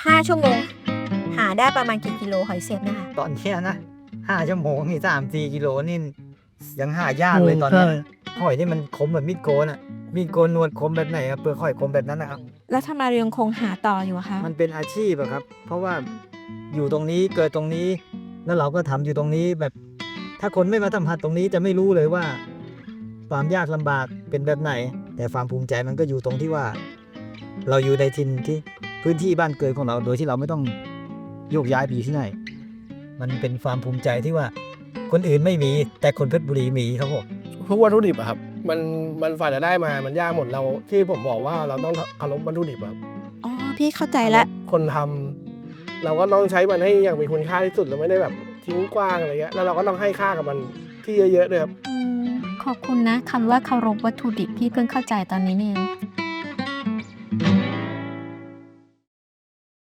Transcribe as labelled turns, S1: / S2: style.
S1: 5 ชั่วโมงหาได้ประมาณกี่กิโลหอยเสียบนะคะ
S2: ตอนเนี้ยนะ5 ชั่วโมงนี่3-4 กิโลนี่ยังหายากเลยตอนเนี้ยหอยนี่มันคมแบบมีดโกนอ่ะมีดโกนหนวดคมแบบไหนครับเปลือกหอยคมแบบนั้นนะครับ
S1: แล้วทำไมเรายังคงหาต่ออยู่อะคะ
S2: มันเป็นอาชีพอะครับ เพราะว่าอยู่ตรงนี้เกิดตรงนี้ แล้วเราก็ทำอยู่ตรงนี้แบบ ถ้าคนไม่มาสัมผัสตรงนี้จะไม่รู้เลยว่าความยากลำบากเป็นแบบไหน แต่ความภูมิใจมันก็อยู่ตรงที่ว่า เราอยู่ในถิ่นที่พื้นที่บ้านเกิดของเราโดยที่เราไม่ต้องโยกย้ายไปอยู่ที่ไหน มันเป็นความภูมิใจที่ว่า คนอื่นไม่มีแต่คนเพชรบุรีมีครับผม
S3: พวกวัตถุดิบอะครับมันฝ่ายจะได้มามันยากหมดเราที่ผมบอกว่าเราต้องเคารพวัตถุดิบครับ
S1: อ๋อ พี่เข้าใจแล้ว
S3: คนทำเราก็ต้องใช้มันให้อย่างมีคุณค่าที่สุดเราไม่ได้แบบทิ้งกว้างอะไรเงี้ยแล้วเราก็ต้องให้ค่ากับมันที่เยอะๆด้วยครับ
S4: ขอบคุณนะคำว่าเคารพวัตถุดิบพี่เพิ่งเข้าใจตอนนี้นี่เอง